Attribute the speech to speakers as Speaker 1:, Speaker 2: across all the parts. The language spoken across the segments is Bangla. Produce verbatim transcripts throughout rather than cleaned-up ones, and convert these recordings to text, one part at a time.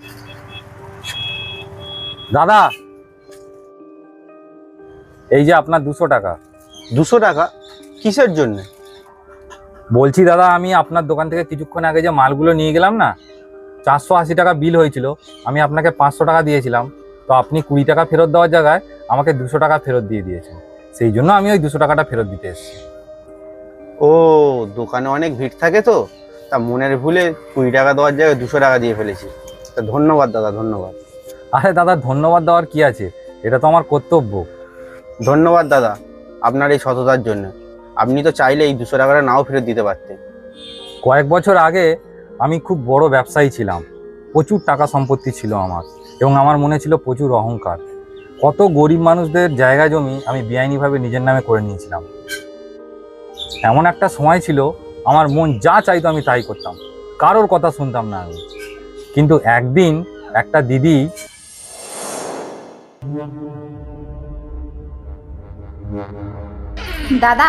Speaker 1: দাদা, এই যে আপনার দুশো টাকা।
Speaker 2: দুশো টাকা কিসের জন্য?
Speaker 1: বলছি দাদা, আমি আপনার দোকান থেকে কিছুক্ষণ আগে যে মালগুলো নিয়ে গেলাম না, চারশো আশি টাকা বিল হয়েছিল। আমি আপনাকে পাঁচশো টাকা দিয়েছিলাম, তো আপনি কুড়ি টাকা ফেরত দেওয়ার জায়গায় আমাকে দুশো টাকা ফেরত দিয়ে দিয়েছেন। সেই জন্য আমি ওই দুশো টাকাটা ফেরত দিতে এসেছি।
Speaker 2: ও, দোকানে অনেক ভিড় থাকে তো, তা মনের ভুলে কুড়ি টাকা দেওয়ার জায়গায় দুশো টাকা দিয়ে ফেলেছি। তা ধন্যবাদ দাদা, ধন্যবাদ।
Speaker 1: আরে দাদা, ধন্যবাদ দেওয়ার কি আছে, এটা তো আমার কর্তব্য।
Speaker 2: ধন্যবাদ দাদা আপনার এই সততার জন্য। আপনি তো চাইলে এই দুশো টাকাটা নাও ফেরত দিতে পারতেন।
Speaker 1: কয়েক বছর আগে আমি খুব বড় ব্যবসায়ী ছিলাম, প্রচুর টাকা সম্পত্তি ছিল আমার, এবং আমার মনে ছিল প্রচুর অহংকার। কত গরিব মানুষদের জায়গা জমি আমি বেআইনিভাবে নিজের নামে করে নিয়েছিলাম। এমন একটা সময় ছিল, আমার মন যা চাইতো আমি তাই করতাম, কারোর কথা শুনতাম না আমি। কিন্তু একদিন একটা দিদি
Speaker 3: দাদা,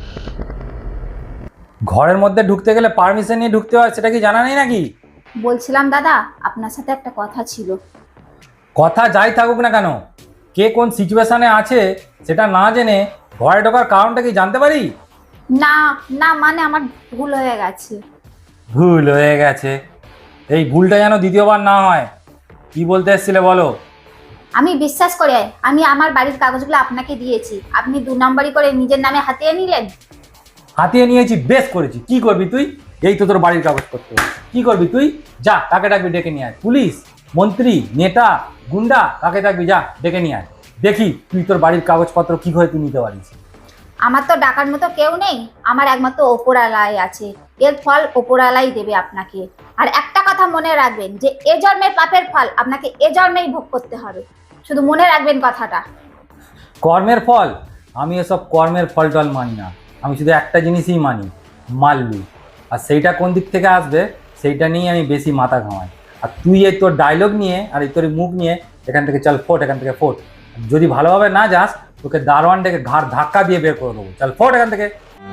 Speaker 1: ঘরের মধ্যে ঢুকতে গেলে পারমিশন নিয়ে ঢুকতে হয়, সেটা কি জানা নেই নাকি?
Speaker 3: বলছিলাম দাদা, আপনার সাথে একটা কথা ছিল।
Speaker 1: কথা যাই থাকুক না কেন, কে কোন সিচুয়েশনে আছে সেটা না জেনে ঘরে ঢোকার কারণটা কি জানতে পারি?
Speaker 3: না না, মানে আমার ভুল হয়ে গেছে।
Speaker 1: ভুল হয়ে গেছে? এই ভুলটা যেন দ্বিতীয়বার না হয়। কি বলতে এসেছিলে বলো?
Speaker 3: আমি বিশ্বাস করে আমি আমার বাড়ির কাগজগুলো আপনাকে দিয়েছি, আপনি দু নম্বরই করে নিজের নামে হাতিয়ে নিলেন।
Speaker 1: হাতিয়ে নিয়েছি, বেশ করেছি। কি করবি তুই? এই তো তোর বাড়ির কাগজ করতে, কি করবি তুই? যা, কাকে ডাকবি ডেকে নিয়ে আয়। পুলিশ, মন্ত্রী, নেতা, গুন্ডা, কাকে ডাকবি, যা ডেকে নিয়ে আয়। দেখি তুই তোর বাড়ির কাগজপত্র কি করে তুই নিতে পারিস।
Speaker 3: আমার তো ডাকার মতো কেউ নেই, আমার একমাত্র ওপরালাই আছে। এর ফল ওপরালাই দেবে আপনাকে। আর একটা কথা মনে রাখবেন, যে এ জন্মের পাপের ফল আপনাকে এ জন্মেই ভোগ করতে হবে। শুধু মনে রাখবেন কথাটা।
Speaker 1: কর্মের ফল? আমি এসব কর্মের ফল টল মানি না। আমি শুধু একটা জিনিসই মানি, মাল্লু। আর সেইটা কোন দিক থেকে আসবে সেইটা নিয়ে আমি বেশি মাথা ঘামাই। আর তুই এই তোর ডায়লগ নিয়ে আর এই তোর মুখ নিয়ে এখান থেকে চল ফোট, এখান থেকে ফোট। যদি ভালোভাবে না যাস তোকে দারোয়ান ডেকে ঘাড় ধাক্কা দিয়ে বের করে দেবো। চল ফোট এখান থেকে।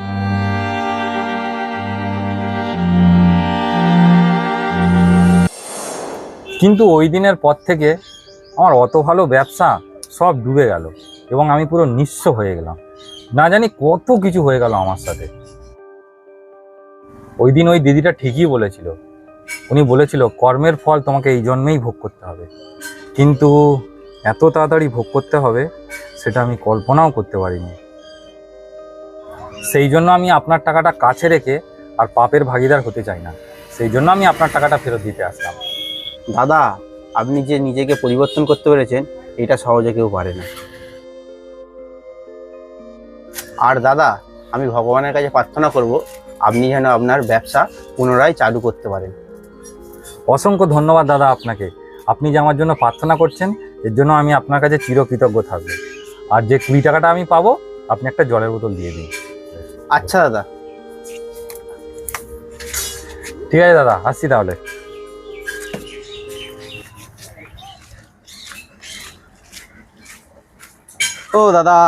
Speaker 1: কিন্তু ওই দিনের পর থেকে আমার অত ভালো ব্যবসা সব ডুবে গেল, এবং আমি পুরো নিঃস্ব হয়ে গেলাম। না জানি কত কিছু হয়ে গেল আমার সাথে। ওই দিন ওই দিদিটা ঠিকই বলেছিল। উনি বলেছিল কর্মের ফল তোমাকে এই জন্মেই ভোগ করতে হবে, কিন্তু এত তাড়াতাড়ি ভোগ করতে হবে সেটা আমি কল্পনাও করতে পারিনি। সেই জন্য আমি আপনার টাকাটা কাছে রেখে আর পাপের ভাগিদার হতে চাই না। সেই জন্য আমি আপনার টাকাটা ফেরত দিতে আসলাম।
Speaker 2: দাদা, আপনি যে নিজেকে পরিবর্তন করতে পেরেছেন এটা সহজে কেউ পারে না। আর দাদা, আমি ভগবানের কাছে প্রার্থনা করব আপনি যেন আপনার ব্যবসা পুনরায় চালু করতে পারেন।
Speaker 1: অসংখ্য ধন্যবাদ দাদা আপনাকে। আপনি যে আমার জন্য প্রার্থনা করছেন এর জন্য আমি আপনার কাছে চিরকৃতজ্ঞ থাকবো। আর যে কুড়ি টাকাটা আমি পাবো আপনি একটা জলের বোতল দিয়ে দিন।
Speaker 2: আচ্ছা দাদা।
Speaker 1: ঠিক আছে দাদা, আসছি তাহলে।
Speaker 4: ও দাদা,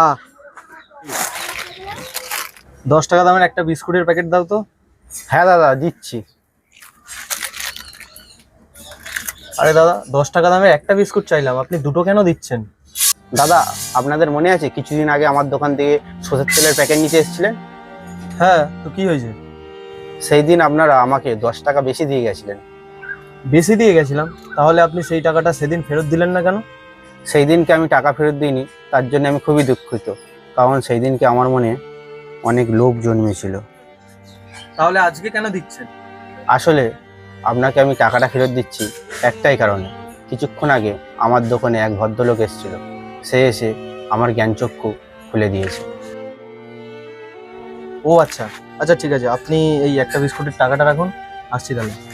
Speaker 4: দশ টাকা দামের একটা বিস্কুটের প্যাকেট দাও তো।
Speaker 2: হ্যাঁ দাদা, দিচ্ছি।
Speaker 4: আরে দাদা, দশ টাকা দামের একটা বিস্কুট চাইলাম, আপনি দুটো কেন দিচ্ছেন?
Speaker 2: দাদা, আপনাদের মনে আছে কিছুদিন আগে আমার দোকান থেকে সরষের তেলের প্যাকেট নিতে এসেছিলেন?
Speaker 4: হ্যাঁ, তো কি হয়েছে?
Speaker 2: সেই দিন আপনারা আমাকে দশ টাকা বেশি দিয়ে গেছিলেন।
Speaker 4: বেশি দিয়ে গেছিলাম? তাহলে আপনি সেই টাকাটা সেদিন ফেরত দিলেন না কেন?
Speaker 2: সেই দিনকে আমি টাকা ফেরত দিইনি, তার জন্য আমি খুবই দুঃখিত। কারণ সেই দিনকে আমার মনে অনেক লোভ জন্মেছিল।
Speaker 4: তাহলে আজকে কেন দিচ্ছেন?
Speaker 2: আসলে আপনাকে আমি টাকাটা ফেরত দিচ্ছি একটাই কারণে। কিছুক্ষণ আগে আমার দোকানে এক ভদ্রলোক এসেছিল, সে এসে আমার জ্ঞানচক্ষু খুলে দিয়েছে।
Speaker 4: ও আচ্ছা আচ্ছা, ঠিক আছে, আপনি এই একটা বিস্কুটের টাকাটা রাখুন, আসছি তাহলে।